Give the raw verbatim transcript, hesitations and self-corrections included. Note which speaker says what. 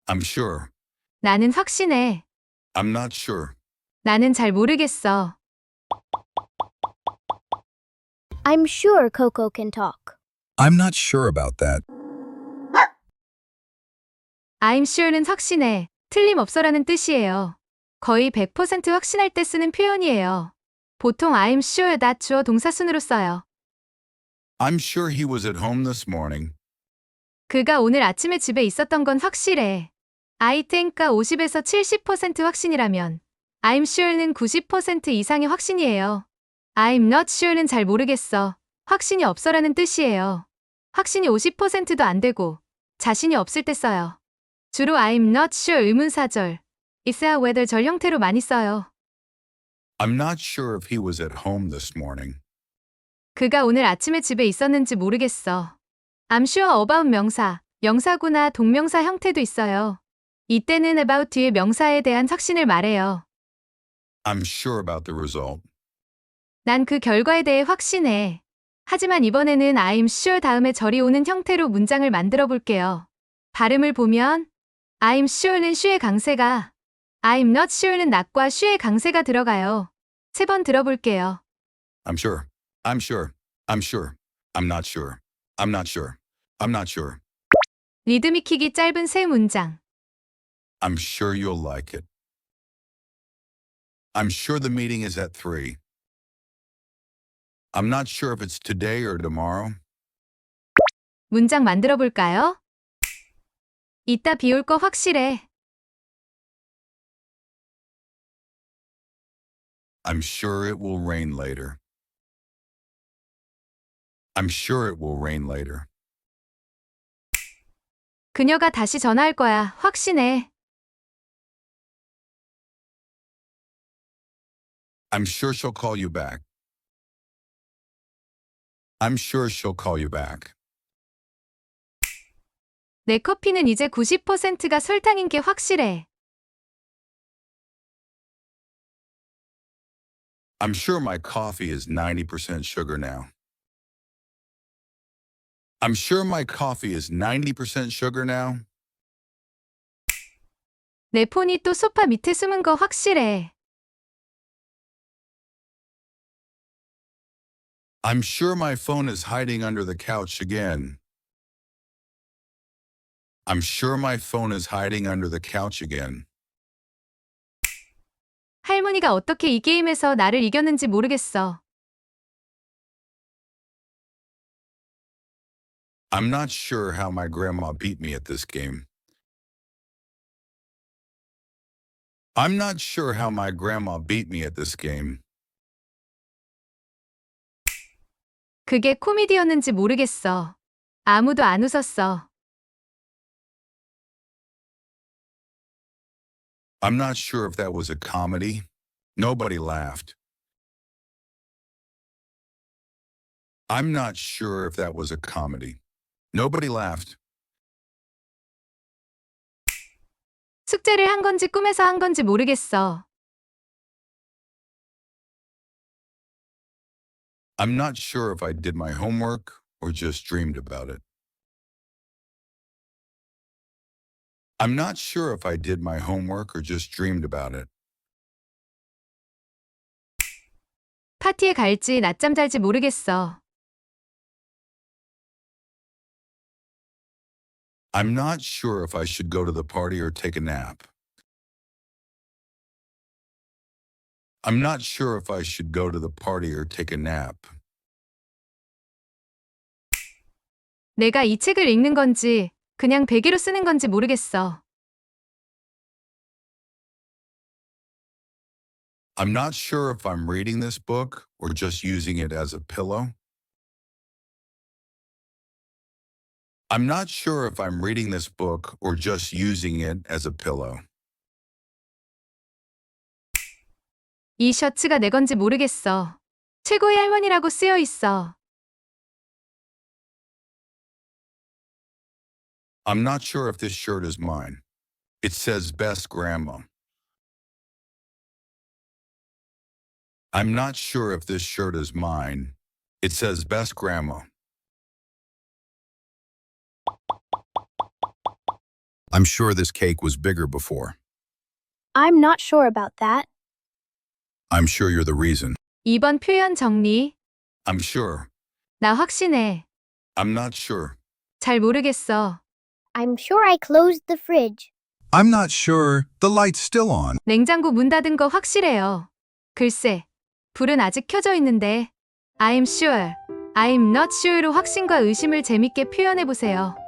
Speaker 1: I'm sure.
Speaker 2: 나는 확신해.
Speaker 1: I'm not sure.
Speaker 2: 나는 잘 모르겠어.
Speaker 3: I'm sure Coco can talk.
Speaker 4: I'm not sure about that.
Speaker 2: I'm sure는 확신해, 틀림없어라는 뜻이에요. 거의 백 퍼센트 확신할 때 쓰는 표현이에요. 보통 I'm sure that 주어 동사순으로 써요.
Speaker 1: I'm sure he was at home this morning.
Speaker 2: 그가 오늘 아침에 집에 있었던 건 확실해. I think가 오십에서 칠십 퍼센트 확신이라면 I'm sure는 구십 퍼센트 이상의 확신이에요. I'm not sure는 잘 모르겠어, 확신이 없어라는 뜻이에요. 확신이 오십 퍼센트도 안 되고 자신이 없을 때 써요. 주로 I'm not sure 의문사절, is야 whether 절 형태로 많이 써요.
Speaker 1: I'm not sure if he was at home this morning.
Speaker 2: 그가 오늘 아침에 집에 있었는지 모르겠어. I'm sure about 명사, 명사구나 동명사 형태도 있어요. 이때는 about 뒤에 명사에 대한 확신을 말해요.
Speaker 1: I'm sure about the result.
Speaker 2: 난 그 결과에 대해 확신해. 하지만 이번에는 I'm sure 다음에 절이 오는 형태로 문장을 만들어 볼게요. 발음을 보면 I'm sure는 슈의 강세가, I'm not sure는 not과 슈의 강세가 들어가요. 세 번 들어볼게요.
Speaker 1: I'm sure. I'm sure. I'm sure. I'm not sure. I'm not sure. I'm not sure.
Speaker 2: 리듬 익히기 짧은 세 문장.
Speaker 1: I'm sure you'll like it. I'm sure the meeting is at three. I'm not sure if it's today or tomorrow.
Speaker 2: 문장 만들어 볼까요? 이따 비 올 거 확실해.
Speaker 1: I'm sure it will rain later. I'm sure it will rain later.
Speaker 2: 그녀가 다시 전화할 거야, 확신해.
Speaker 1: I'm sure she'll call you back. I'm sure she'll call you back.
Speaker 2: 내 커피는 이제 구십 퍼센트가 설탕인 게 확실해.
Speaker 1: I'm sure my coffee is ninety percent sugar now. I'm sure my coffee is ninety percent sugar now.
Speaker 2: 내 폰이 또 소파 밑에 숨은 거 확실해.
Speaker 1: I'm sure my phone is hiding under the couch again. I'm sure my phone is hiding under the couch again.
Speaker 2: 할머니가 어떻게 이 게임에서 나를 이겼는지 모르겠어.
Speaker 1: I'm not sure how my grandma beat me at this game. I'm not sure how my grandma beat me at this game.
Speaker 2: 그게 코미디였는지 모르겠어. 아무도 안 웃었어.
Speaker 1: I'm not sure if that was a comedy. Nobody laughed. I'm not sure if that was a comedy. Nobody laughed.
Speaker 2: 숙제를 한 건지 꿈에서 한 건지 모르겠어.
Speaker 1: I'm not sure if I did my homework or just dreamed about it. I'm not sure if I did my homework or just dreamed about it.
Speaker 2: 파티에 갈지 낮잠 잘지 모르겠어.
Speaker 1: I'm not sure if I should go to the party or take a nap. I'm not sure if I should go to the party or take a nap.
Speaker 2: 내가 이 책을 읽는 건지 그냥 베개로 쓰는 건지 모르겠어.
Speaker 1: I'm not sure if I'm reading this book or just using it as a pillow. I'm not sure if I'm reading this book or just using it as a pillow.
Speaker 2: 이 셔츠가 내 건지 모르겠어. 최고의 할머니라고 쓰여 있어.
Speaker 1: I'm not sure if this shirt is mine. It says best grandma. I'm not sure if this shirt is mine. It says best grandma.
Speaker 4: I'm sure this cake was bigger before.
Speaker 3: I'm not sure about that.
Speaker 4: I'm sure you're the reason.
Speaker 2: 이 번 표현 정리.
Speaker 1: I'm sure.
Speaker 2: 나 확신해.
Speaker 1: I'm not sure.
Speaker 2: 잘 모르겠어.
Speaker 3: I'm sure I closed the fridge.
Speaker 4: I'm not sure. The light's still on.
Speaker 2: 냉장고 문 닫은 거 확실해요. 글쎄, 불은 아직 켜져 있는데. I'm sure, I'm not sure로 확신과 의심을 재밌게 표현해 보세요.